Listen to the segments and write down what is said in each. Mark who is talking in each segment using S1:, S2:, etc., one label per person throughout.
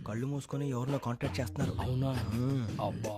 S1: కళ్ళు మూసుకొని ఎవరినో కాంటాక్ట్ చేస్తున్నారు.
S2: అవునా? అబ్బా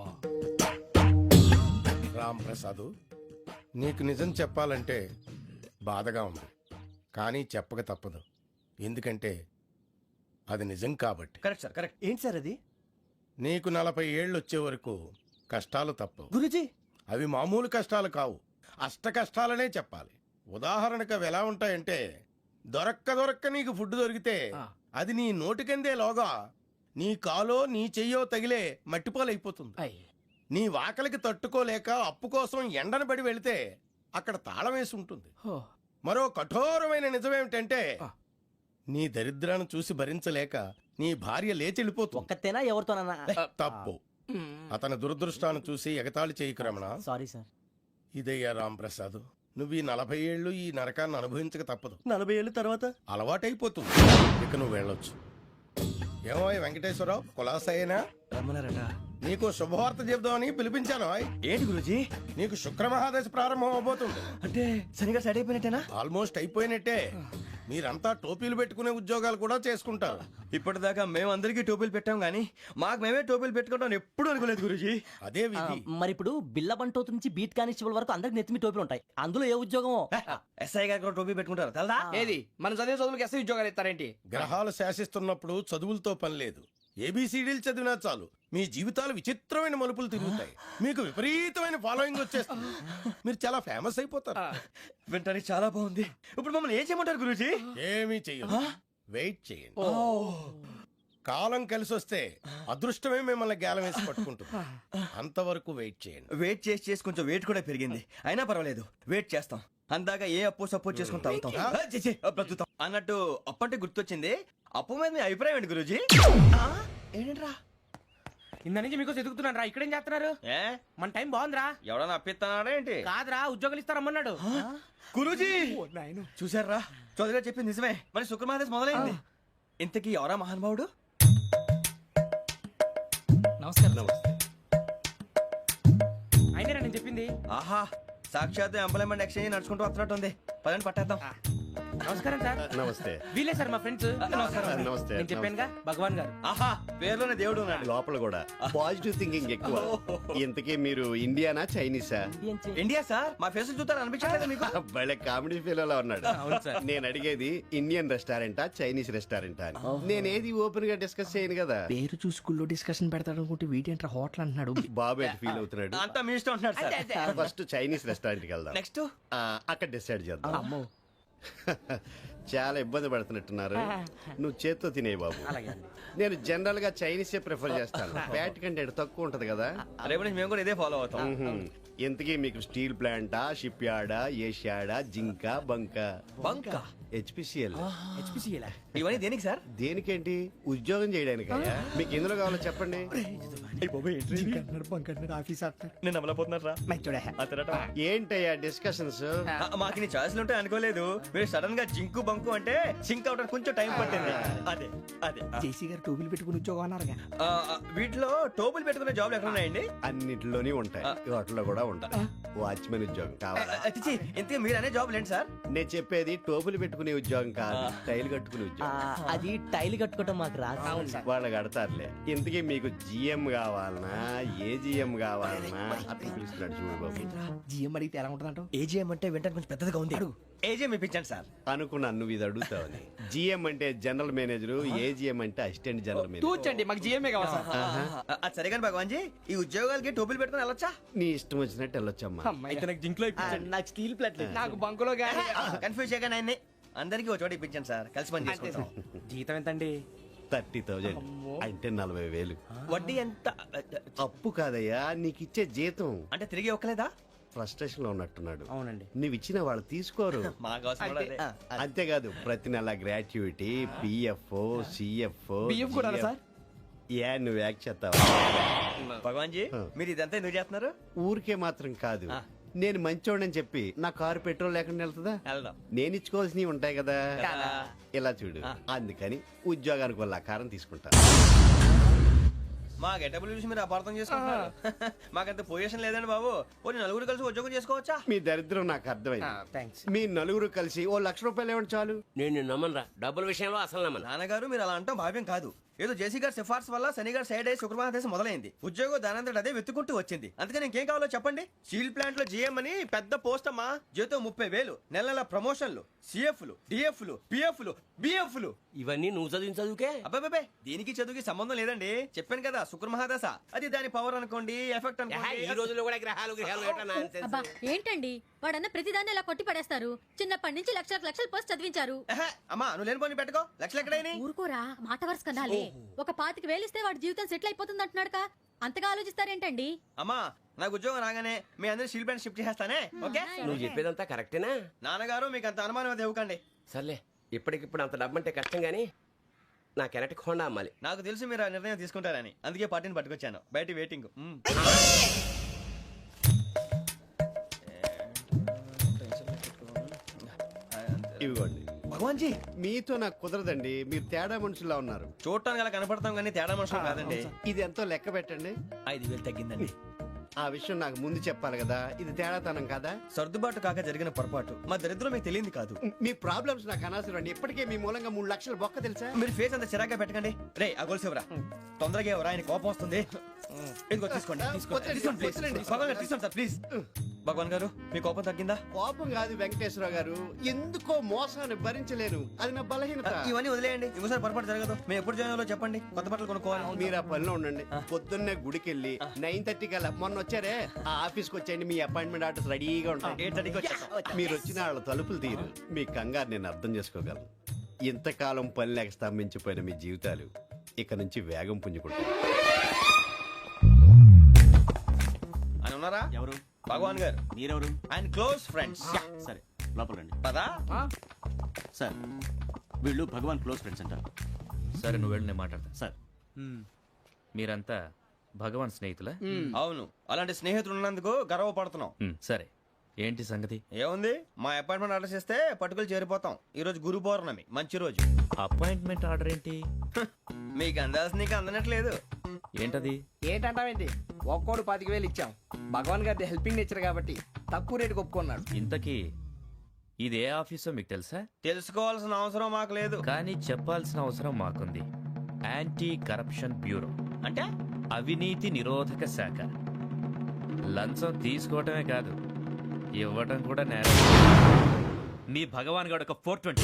S3: రామ్ ప్రసాద్, నీకు నిజం చెప్పాలంటే బాధగా ఉంది, కానీ చెప్పక తప్పదు. ఎందుకంటే అది నిజం కాబట్టి.
S1: Correct sir, correct. ఏంటి సార్ అది?
S3: నీకు 40 ఏళ్ళు వచ్చే వరకు కష్టాలు తప్పవు.
S1: గురుజీ,
S3: అవి మామూలు కష్టాలు కావు, అష్ట కష్టాలనే చెప్పాలి. ఉదాహరణకు అవి ఎలా ఉంటాయంటే, దొరక్క నీకు ఫుడ్ దొరికితే అది నీ నోటికందే లోగా నీ కాలో నీ చెయ్యో తగిలే మట్టిపాలైపోతుంది. నీ వాకలికి తట్టుకోలేక అప్పు కోసం ఎండను పడి వెళితే అక్కడ తాళం వేసి ఉంటుంది. మరో కఠోరమైన నిజమేమిటంటే, నీ దరిద్రాన్ని చూసి భరించలేక నీ భార్య లేచి వెళ్ళిపోతుంది.
S1: ఒక్కతేనా ఎవరితోనన్నా?
S3: తప్పు. అతని దురదృష్టాన్ని చూసి ఎగతాళి చేయకు రమణ.
S1: Sorry sir.
S3: ఇదయ్యా రాంప్రసాద్, నువ్వు ఈ 40 ఏళ్ళు ఈ నరకాన్ని అనుభవించక తప్పదు.
S1: 40 ఏళ్ళ తర్వాత
S3: అలవాటైపోతుంది. ఇక నువ్వు వెళ్ళొచ్చు. ఏమో వెంకటేశ్వరరావు, కులాసైనా
S1: రమ్మన్నారట.
S3: నీకు శుభవార్త చెబుదామని పిలిపించాను.
S1: ఏంటి గురుజీ?
S3: నీకు శుక్రమహాదశ ప్రారంభం అవబోతుంది.
S1: అంటే సరిగా సెట్ అయిపోయినట్టేనా?
S3: ఆల్మోస్ట్ అయిపోయినట్టే. మీరంతా టోపీలు పెట్టుకునే ఉద్యోగాలు కూడా చేసుకుంటారు.
S1: ఇప్పటిదాకా మేమందరికీ టోపీలు పెట్టాం గానీ మాకు మేమే టోపీలు పెట్టుకుంటాం ఎప్పుడు అనుకోలేదు గురుజీ.
S3: అదే విధి.
S4: మరి ఇప్పుడు బిల్ల బంటోతు నుంచి బీట్ కానిస్టేబుల్ వరకు అందరికి నెత్తిమి టోపీలు ఉంటాయి. అందులో ఏ ఉద్యోగమో?
S1: ఎస్ఐ గారు కూడా టోపీ పెట్టుకుంటారు తెలదా?
S2: ఏది మన చదివే చదువులకు ఎస్ఐ ఉద్యోగాలు ఇస్తారేంటి?
S3: గ్రహాలు శాసిస్తున్నప్పుడు చదువులతో పని లేదు. ఏబిసిడీలు చదివినా చాలు మీ జీవితాలు విచిత్రమైన మలుపులు తిరుగుతాయి. మీకు విపరీతమైన ఫాలోయింగ్ వచ్చేస్తుంది. మీరు చాలా ఫేమస్ అయిపోతారు.
S1: వింటానికి చాలా బాగుంది. ఇప్పుడు మమ్మల్ని ఏం చేయమంటారు గురూజీ?
S3: ఏమీ చెయ్యదు, వెయిట్ చేయండి. కాలం కలిసి వస్తే అదృష్టమే మిమ్మల్ని గేలం వేసి పట్టుకుంటుంది. అంతవరకు వెయిట్ చేయండి.
S1: వెయిట్ చేసి కొంచెం వెయిట్ కూడా పెరిగింది. అయినా పర్వాలేదు, వెయిట్ చేస్తాం. అందాక ఏ అప్పు సపోర్ట్ చేసుకుని తాగుతాం, బ్రతుకుతాం అన్నట్టు. అప్పు అంటే గుర్తొచ్చింది, అప్పు మీద మీ అభిప్రాయం ఏంటి గురూజీ? ఏంటరా
S2: ఇంత నుంచి మీకు ఎదుగుతున్నాను రా. ఇక్కడేం చేస్తున్నారు? మన టైం బాగుందిరా.
S1: ఎవడన్నా అప్పిస్తున్నాడా ఏంటి?
S2: కాదురా, ఉద్యోగాలు ఇస్తారమ్మన్నాడు
S1: గురూజీ. చూసారా, చౌదరిగా చెప్పింది నిజమే. మరి శుక్రమాదేశ్ మొదలైంది. ఇంతకీ ఎవరా మహానుభావుడు?
S2: నమస్కారం. అయినా నేను చెప్పింది.
S1: ఆహా, సాక్షాత్ ఎంప్లాయ్మెంట్ ఎక్స్చేంజ్ నడుచుకుంటూ వస్తున్నట్టు ఉంది. పదండి పట్టేద్దాం.
S2: నమస్కారం సార్.
S5: నమస్తే.
S2: వీలే సార్ మా ఫ్రెండ్స్.
S5: నమస్తే.
S2: నేను చెప్పానుగా, భగవాన్ గారు.
S1: ఆహా, పేర్లోనే దేవుడు ఉన్నాడు.
S5: లోపల కూడా పాజిటివ్ థింకింగ్ ఎక్కువ. ఇంతకీ మీరు ఇండియానా చైనీసా?
S1: India sir. మా ఫేస్ చూస్తారు అనిపించలేదు మీకు?
S5: భలే కామెడీ ఫీల్ అలా ఉన్నాడు.
S2: అవును సార్.
S5: నేను అడిగేది ఇండియన్ రెస్టారెంటా చైనీస్ రెస్టారెంటా అని. నేనేది ఓపెన్ గా డిస్కస్ చేయను కదా.
S2: పేరు చూసుకుల్లో డిస్కషన్ పెడతాడు అనుకుంటే వీటేంట్రా హోటల్ అంటున్నాడు.
S5: బాబు ఎట్ ఫీల్ అవుతున్నాడు.
S1: అంతా మీ ఇష్టం ఉంటున్నాడు సార్.
S5: ఫస్ట్ చైనీస్ రెస్టారెంట్ కి వెళ్దాం.
S1: నెక్స్ట్
S5: అక్కడ డిసైడ్ చేద్దాం. చాలా ఇబ్బంది పడుతున్నట్టున్నారు. నువ్వు చేత్తో తినే బాబు. నేను జనరల్ గా చైనీసే ప్రిఫర్ చేస్తాను. ఫ్యాట్ కంటెంట్ తక్కువ ఉంటది కదా.
S1: రేపు నుంచి మేము కూడా ఇదే ఫాలో అవుతాం.
S5: ఇంతకీ మీకు స్టీల్ ప్లాంటా, షిప్ యార్డా, ఏషియాడా, జింక, బంక, హెచ్పిసిఎల్.
S1: ఇవన్నీ దేనికి సార్?
S5: దేనికేంటి? ఉద్యోగం చేయడానికి. మీకు ఎందులో కావాలో చెప్పండి.
S1: నేను అమలపోతున్నా.
S5: ఏంటయ్యా డిస్కషన్స్?
S1: మాకు నీ ఛాయిస్లు ఉంటాయి అనుకోలేదు. మీరు సడన్ గా జింకు బంకు అంటే సింక్ అవడానికి కొంచెం టైం పట్టింది. అదే అదే
S2: జేసీ గారు టోపీలు పెట్టుకుని ఉద్యోగం అన్నారుగా.
S1: వీటిలో టోపులు పెట్టుకునే జాబ్లు ఎక్కడ ఉన్నాయండి?
S5: అన్నిటిలోనే ఉంటాయి, వాటిలో కూడా ఉంటాయి. వాచ్మెన్ ఉద్యోగం కావాలా?
S1: ఇంతకీ మీరు అనే జాబ్ ఏంటి సార్?
S5: నేను చెప్పేది టోపులు పెట్టుకునే ఉద్యోగం కాదు, టైల్ కట్టుకునే ఉద్యోగం.
S4: అది టైల్ కట్టుకోవటం మాకు రాదు.
S5: వాళ్ళు కడతారులే. ఇంతకీ మీకు జిఎం కావాలనా, ఏ జిఎం కావాలనా? అట్లా పిలుస్తున్నాడు చూడు బాబు.
S2: జిఎం అడిగితే ఎలా ఉంటుందంట?
S1: ఏజీఎం అంటే వెంటనే కొంచెం పెద్దదిగా ఉంది. ఏజీఎం ఇప్పించండి సార్.
S5: అనుకున్నాను నువ్వు ఇది అడుగుతావని. జిఎం అంటే జనరల్ మేనేజర్, ఏజిఎం అంటే అసిస్టెంట్ జనరల్ మేనేజర్.
S2: తూచండి, మాకు జిఎంఏ కావాలి సార్.
S1: అది సరే కానీ భగవాన్ జీ, ఈ ఉద్యోగాలకి టోపులు పెట్టుకుని వెళ్ళొచ్చా?
S5: నీ ఇష్టం వచ్చినట్టు వెళ్ళొచ్చమ్మా.
S2: అయితే నాకు జింక్ లో
S4: నాకు స్టీల్ ప్లేట్
S2: నాకు బంకులో గానీ.
S1: కన్ఫ్యూజ్ చేయగానే ఆయన్ని అందరికీ ఒక చోట ఇప్పించండి సార్. కలిసి పని చేసుకుంటాం.
S2: జీతం ఎంతండి?
S5: 30,000 అంటే 40,000.
S1: వడ్డీ ఎంత?
S5: అప్పు కాదయ్యా, నీకు ఇచ్చే జీతం.
S1: అంటే తిరిగి ఒక్కలేదా?
S5: ఫ్రస్ట్రేషన్ లో ఉన్నట్టున్నాడు.
S2: అవునండి.
S5: నువ్వు ఇచ్చిన వాళ్ళు తీసుకోరు.
S1: మాకు అవసరం కూడా అదే.
S5: అంతేకాదు ప్రతి నెల గ్రాట్యుటీ, పిఎఫ్, సిఎఫ్.
S2: బియ్యం కూడా సార్?
S5: ఏ నువ్వు యాక్ట్ చేస్తావా?
S1: భగవాన్ జీ, మీరు ఇదంతా ఎందుకు చేస్తున్నారు?
S5: ఊరికే మాత్రం కాదు, నేను మంచోడని చెప్పి నా కారు పెట్రోల్ లేకుండా వెళ్తుందా?
S1: వెళ్దాం.
S5: నేను ఇచ్చుకోవాల్సినవి ఉంటాయి కదా.
S1: కదా.
S5: ఇలా చూడు, అందుకని ఉద్యోగానికి వాళ్ళ ఆకారం తీసుకుంటా.
S1: మా గెటబుల్ చూసి మీరు అపార్థం చేసుకుంటున్నారు. మాకంత పొజిషన్ లేదండి బాబు. పోనీ నలుగురు కలిసి ఉద్యోగం చేసుకోవచ్చా?
S5: మీ దరిద్రం నాకు అర్థమైంది.
S2: థ్యాంక్స్.
S5: మీ నలుగురు కలిసి ఓ 1,00,000 రూపాయలు ఇవ్వండి చాలు.
S6: నేను నమ్మనరా, డబ్బుల విషయంలో అసలు నమ్మను.
S1: నాన్నగారు, మీరు అలా అంటాం భావ్యం కాదు. ఏదో జేసీ గారి సిఫార్సు వల్ల శని గారు సైడ్ అయ్యి శుక్రవారం మొదలైంది. ఉద్యోగం దానంతటి అదే వెతుకుంటూ వచ్చింది. అందుకని ఇంకేం కావాలో చెప్పండి. స్టీల్ ప్లాంట్ లో జీఎం అని పెద్ద పోస్ట్ అమ్మా. జీతం 30,000, నెల నెల ప్రమోషన్లు, సిఎఫ్లు, డిఎఫ్లు, పిఎఫ్లు, బిఎఫ్లు.
S4: ఇవన్నీ నువ్వు చదివిన చదువుకే.
S1: అబ్బాబే దీనికి చదువుకి సంబంధం లేదండి. చెప్పాను కదా శుక్ర మహాదశ. అది దాని పవర్ అనుకోండి, ఎఫెక్ట్
S2: ఈ
S1: అనుకోండి.
S2: రోజుల్లో కూడా గ్రహాలు ఏటా nonsense?
S6: అబ్బా ఏంటండి వాడన్న ప్రతిదాన్ని ఇలా కొట్టి పడేస్తారు. చిన్నప్పటి నుంచి లక్షలకు లక్షలు పోస్ట్ చదివించారు.
S1: ఎహె, అమ్మా నువ్వు లేని పోనీ పెట్టుకో. లక్షలు ఎక్కడైనా
S6: ఊరుకోరా మాట వరుస కదాలే. ఒక 25,000 ఇస్తే వాడి జీవితం సెటిల్ అయిపోతుంది అంటున్నాడుక. అంతగా ఆలోచిస్తారేంటండి?
S1: అమ్మా నాకు ఉద్యోగం రాగానే మీ అందరూ స్టీల్ ప్లాంట్ షిఫ్ట్ చేస్తానే. ఓకే
S2: నువ్వు చెప్పేదంతా కరెక్టేనా?
S1: నాన్నగారు మీకు అంత అనుమానం అయితే ఇవ్వకండి.
S2: సర్లే, ఇప్పటికిప్పుడు అంత డబ్బు అంటే కష్టం గానీ నా కెనటిక్ హోండా అమ్మాలి.
S1: నాకు తెలుసు మీరు ఆ నిర్ణయం తీసుకుంటారని, అందుకే పార్టీని పట్టుకొచ్చాను. బయట వెయిటింగ్.
S5: ఇవ్వండి.
S1: భగవాన్ జీ
S5: మీతో నాకు కుదరదండి, మీరు తేడా మనుషుల్లా ఉన్నారు.
S1: చూడటానికి అలా కనపడతాం కానీ తేడా మనుషులు కాదండి.
S5: ఇది ఎంతో లెక్క పెట్టండి.
S1: 5,000 తగ్గిందండి.
S5: ఆ విషయం నాకు ముందు చెప్పాలి కదా, ఇది తేడాతనం కదా.
S1: సర్దుబాటు కాక జరిగిన పొరపాటు. మా దరిద్రం మీకు తెలియదు కాదు.
S5: మీ ప్రాబ్లమ్స్ నాకు అనవసరం అండి. ఇప్పటికే మీ మూలంగా 3 లక్షల బొక్క తెలుసా.
S1: మీరు ఫేస్ అంత చిరాగ్గా పెట్టకండి. రే ఆ గొలుసేవరా, తొందరగా ఎవరా, ఆయన కోపం వస్తుంది. ఇదిగో తీసుకోండి. తీసుకోండి ప్లీజ్. భగవాన్ గారు తీసుకోండి సార్ ప్లీజ్. భగవాన్ గారు మీ కోపం తగ్గిందా?
S5: కోపం కాదు వెంకటేశ్వర గారు, ఎందుకో మోసాన్ని భరించలేను, అది నా బలహీనత.
S1: ఇవన్నీ వదిలేయండి. ఇంకోసారి పొరపాటు జరగదు. మేము ఎప్పుడు జాయిన్ అవ్వాలో చెప్పండి, కొత్త బట్టలు కొనుక్కోవాలి.
S5: మీరు ఆ పనిలో ఉండండి. పొద్దున్నే గుడికి వెళ్ళి 9:30 కల్లా, మొన్న వచ్చారే ఆ ఆఫీస్కి వచ్చేయండి. మీ అపాయింట్మెంట్ ఆర్డర్స్ రెడీగా ఉంటాయి.
S1: 8:30కి వచ్చేస్తాం.
S5: మీరు వచ్చిన వాళ్ళ తలుపులు తీరు. మీ కంగారు నేను అర్థం చేసుకోగలను. ఇంతకాలం పని లేక స్తంభించిపోయిన మీ జీవితాలు ఇక నుంచి వేగం పుంజుకుంటాయి.
S1: ఆయన ఉన్నారా?
S7: ఎవరు?
S1: భగవాన్ గారు.
S7: మీరెవరు?
S1: ఆయన క్లోజ్ ఫ్రెండ్స్.
S7: సరే లోపల రండి.
S1: పదా
S7: సార్ వీళ్ళు భగవాన్ క్లోజ్ ఫ్రెండ్స్ అంటారు.
S8: సరే నువ్వు వెళ్ళి నేను మాట్లాడతా.
S7: సార్
S8: మీరంతా భగవాన్ స్నేహితులా?
S1: అవును, అలాంటి స్నేహితులు ఉన్నందుకు గర్వపడుతున్నాం.
S8: సరే ఏంటి సంగతి?
S1: ఏముంది, మా అపాయింట్మెంట్ ఆర్డర్ చేస్తే పట్టుకులు చేరిపోతాం. ఈ రోజు గురు పౌర్ణమి, మంచి రోజు.
S8: అపాయింట్మెంట్ ఆర్డర్ ఏంటి?
S1: మీకు అందాల్సిన నీకు అందనట్లేదు.
S8: ఏంటది?
S9: ఏంటంటావేంటి? ఒక్కోడు 25,000 ఇచ్చాం. భగవాన్ గారి హెల్పింగ్ నేచర్ కాబట్టి తక్కువ రేటుకి ఒప్పుకున్నాడు.
S8: ఇంతకీ ఇది ఏ ఆఫీసో మీకు తెలుసా?
S1: తెలుసుకోవాల్సిన అవసరం మాకు లేదు.
S8: కానీ చెప్పాల్సిన అవసరం మాకుంది. యాంటీ కరప్షన్ బ్యూరో
S1: అంటే
S8: అవినీతి నిరోధక శాఖ. లంచం తీసుకోవటమే కాదు, ఇవ్వటం కూడా నేరం. మీ భగవాన్ గారు ఒక 420.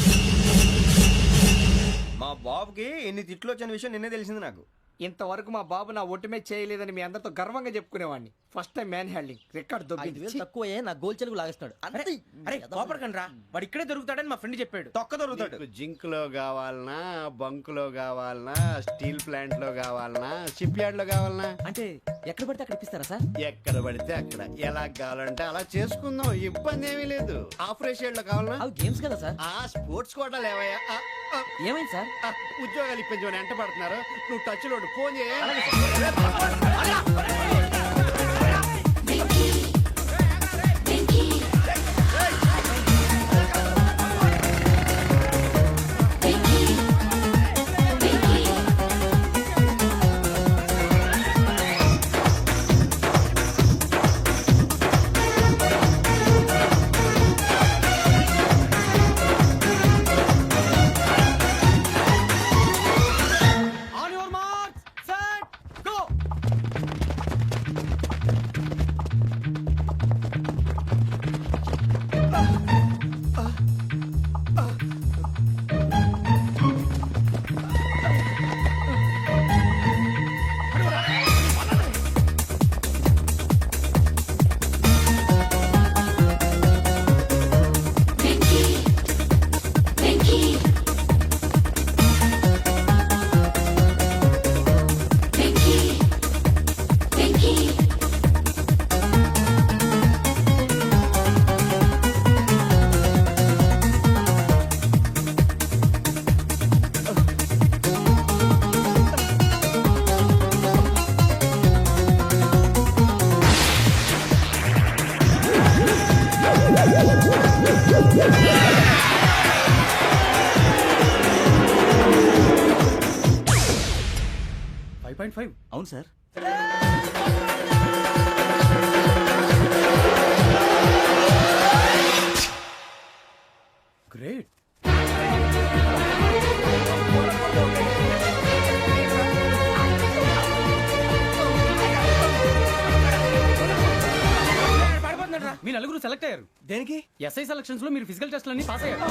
S1: మా బాబుకి ఎన్ని తిట్లు వచ్చిన విషయం నిన్నే తెలిసింది నాకు.
S9: ఇంతవరకు మా బాబు నా ఒట్టుమే చేయలేదని మీ అందరితో గర్వంగా చెప్పుకునేవాడిని. First time man handing record
S4: 5,000 తక్కువే నా గోల్ చెలుగు లాగేస్తున్నాడు.
S2: అరే కోపడకండి రా, వాడు ఇక్కడే దొరుకుతాడని మా ఫ్రెండ్ చెప్పాడు.
S1: తొక్క దొరుకుతాడు.
S5: మీకు జింక్ లో కావాలనా, బంక్ లో కావాలనా, స్టీల్ ప్లాంట్ లో కావాలనా, షిప్ యార్డ్ లో కావాలనా?
S4: అంటే ఎక్కడ పడితే అక్కడ ఇప్పిస్తారా సార్?
S5: ఎక్కడ పడితే అక్కడ, ఎలా కావాలంటే అలా చేసుకుందాం. ఇబ్బంది ఏమీ లేదు. ఆపరేషన్ లో కావాలనా?
S4: అవి గేమ్స్ కదా సార్.
S5: ఆ స్పోర్ట్స్ కోటా లేవయ్యా.
S4: ఏమైంది సార్?
S5: ఉద్యోగాలు ఇప్పించమని ఎంట పడుతున్నారు. నువ్వు టచ్ లో ఫోన్ చేయ.
S7: అవును సార్.
S1: గ్రేట్.
S2: సెలెక్ట్ అయ్యారు.
S1: దేనికి?
S2: ఎస్ఐ సెలక్షన్స్ లో మీరు ఫిజికల్ టెస్ట్ అన్ని పాస్ అయ్యారు.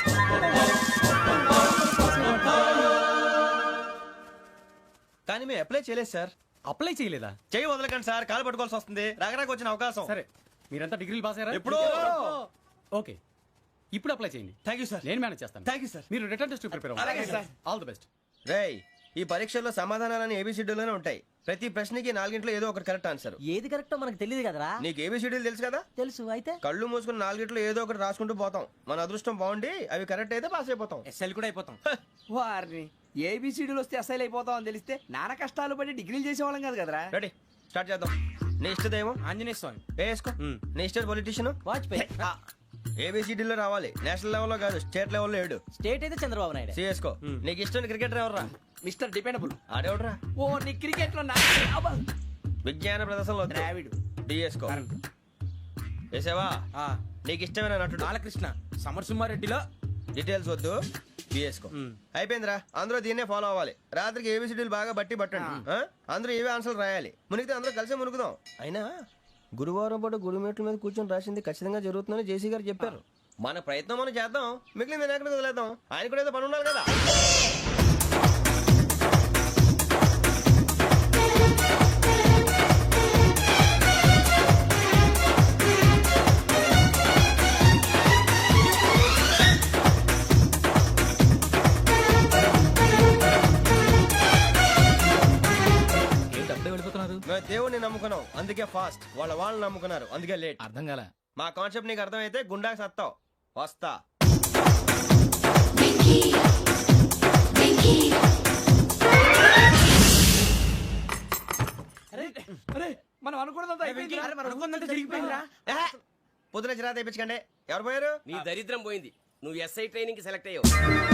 S1: కానీ మేము అప్లై చేయలేదు సార్.
S2: అప్లై చేయలేదా?
S1: చేయి వదలకండి సార్, కాలు పట్టుకోవాల్సి వస్తుంది. రాగరాకు వచ్చిన అవకాశం.
S2: సరే, మీరంతా డిగ్రీలు పాస్ అయ్యారా?
S1: ఎప్పుడో.
S2: ఓకే, ఇప్పుడు అప్లై చేయండి.
S1: Thank you sir.
S2: నేను మేనేజ్ చేస్తాను.
S1: Thank you sir.
S2: మీరు రిటర్న్ టెస్ట్ ప్రిపేర్
S1: అలాగే
S2: అవ్వండి.
S1: సార్.
S2: All the best.
S1: రేయ్, ఈ పరీక్షల్లో సమాధానాలని ఏబిసిడీలోనే ఉంటాయి. ప్రతి ప్రశ్నకి 4 ఏదో ఒకటి కరెక్ట్ ఆన్సర్.
S4: ఏది కరెక్టో మనకు తెలియదు కదరా.
S1: నీకు ఏబిసిడీలు తెలుసు కదా?
S4: తెలుసు. అయితే
S1: కళ్ళు మూసుకుని 4 ఏదో ఒకటి రాసుకుంటూ పోతాం. మన అదృష్టం బాగుండి అవి కరెక్ట్ అయితే పాస్ అయిపోతాం.
S2: ఎస్ఎల్ కూడా అయిపోతాం.
S9: వారిని ఏబిసిడీలు వస్తే అసైల్ అయిపోతాం అని తెలిస్తే నాన్న కష్టాలు పడి డిగ్రీలు చేసేవాళ్ళం కాదు కదరా.
S1: రెడీ, స్టార్ట్ చేద్దాం. నీ ఇష్టదేమో
S2: ఆంజనేయ స్వామి.
S1: వేసుకో. నీ ఇష్ట పొలిటీషియన్
S4: వాజ్పేయి.
S1: ఏబిసిడీలో రావాలి. నేషనల్ లెవెల్లో కాదు, స్టేట్ లెవెల్లో 7.
S4: స్టేట్ అయితే చంద్రబాబు నాయుడు.
S1: సిఎస్కో. నీకు ఇష్టం క్రికెటర్ ఎవర్రా?
S9: Mister dependable.
S1: ఆడేవడరా?
S9: ఓ నీ క్రికెట్ లో
S1: విజ్ఞాన ప్రదర్శనలో
S9: ద్రావిడు.
S1: డిఎస్కో. వేసావా? నీకు ఇష్టమైన నటుడు?
S2: బాలకృష్ణ. సమర్ సుమారెడ్డిలో
S1: డీటెయిల్స్ వద్దు, బిఎస్కో. అయిపోయిందిరా. అందరూ దీన్నే ఫాలో అవ్వాలి. రాత్రికి ఏబిసిడీలు బాగా బట్టి పట్టండి. అందరూ ఏవే ఆన్సర్లు రాయాలి. మునిగితే అందరూ కలిసి మునుగుదాం. అయినా గురువారం పాటు గురుమేట్ల మీద కూర్చొని రాసింది ఖచ్చితంగా జరుగుతుందని జేసీ గారు చెప్పారు. మన ప్రయత్నం మనం చేద్దాం, మిగిలింది ఎక్కడ వదిలేద్దాం. ఆయన కూడా ఏదో పని ఉండాలి కదా. మేము దేవుడిని నమ్ముకున్నాం, అందుకే ఫాస్ట్. వాళ్ళు నమ్ముకున్నారు, అందుకే లేట్.
S2: అర్థం కాల.
S1: మా కాన్సెప్ట్ నీకు అర్థమైతే గుండాకి సత్తావు. వస్తా.
S9: మనం అనుకున్నదంతా
S2: జరిగిపోయిందిరా.
S1: పొద్దున చిరా తెప్పించకండి. ఎవరు పోయారు?
S10: నీ దరిద్రం పోయింది. నువ్వు ఎస్ఐ ట్రైనింగ్ కి సెలెక్ట్ అయ్యావు.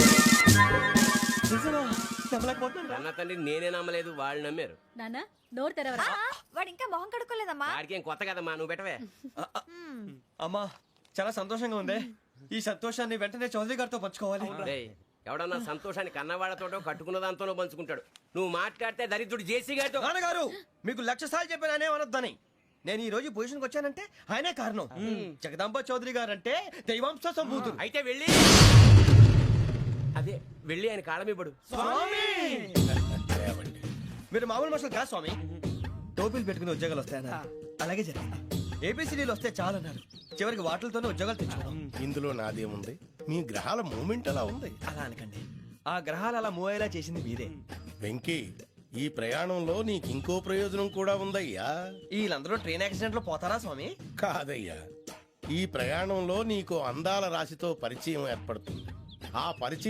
S10: అన్న తండ్రి నేనే నమ్మలేదు, వాళ్ళు నమ్మారు.
S6: నాన్న నోరు తెరవరా.
S11: వాడు ఇంకా మొహం కడుక్కోలేదమ్మా.
S10: వాడికి ఏం కొత్త కదమ్మా, నువ్వు పెట్టవే.
S1: అమ్మా, చాలా సంతోషంగా ఉంది. ఈ సంతోషాన్ని వెంటనే చౌదరి గారితో పంచుకోవాలి.
S10: డేయ్, ఎవడన్నా సంతోషాన్ని కన్నవాళ్లతోటో కట్టుకున్న దాంతోనో పంచుకుంటాడు. నువ్వు మాట్లాడితే దరిద్రుడు జేసీ గారితో.
S1: నాన్నగారు, మీకు 1,00,000 సార్లు చెప్పానే అనొద్దని. నేను ఈ రోజు పొజిషన్కి వచ్చానంటే ఆయనే కారణం. జగదాంబ చౌదరి గారు అంటే దైవాంశ సంభూతుడు.
S10: అయితే వెళ్ళి అదే వెళ్ళి ఆయన కాళ్ళమివ్వడు.
S1: మీరు మామూలు మనుషులు కాదు స్వామి. టోపీలు పెట్టుకుని ఉద్యోగాలు వస్తాయన్నారు, అలాగే జరిగింది. ఏబిసిడీలు వస్తే చాలన్నారు, చివరికి వాటిలతోనే ఉద్యోగాలు తెచ్చుకున్నాం.
S3: ఇందులో నాదేముంది? మీ గ్రహాల మూమెంట్ అలా ఉంది.
S1: అలా అనకండి, ఆ గ్రహాలు అలా మూవ్ అయ్యేలా చేసింది మీరే.
S3: వెంకీ, ఈ ప్రయాణంలో నీకు ఇంకో ప్రయోజనం కూడా ఉందయ్యా.
S1: వీళ్ళందరూ ట్రైన్ యాక్సిడెంట్ లో పోతారా స్వామి?
S3: కాదయ్యా, ఈ ప్రయాణంలో నీకు అందాల రాశితో పరిచయం ఏర్పడుతుంది. ఆ పరిచయం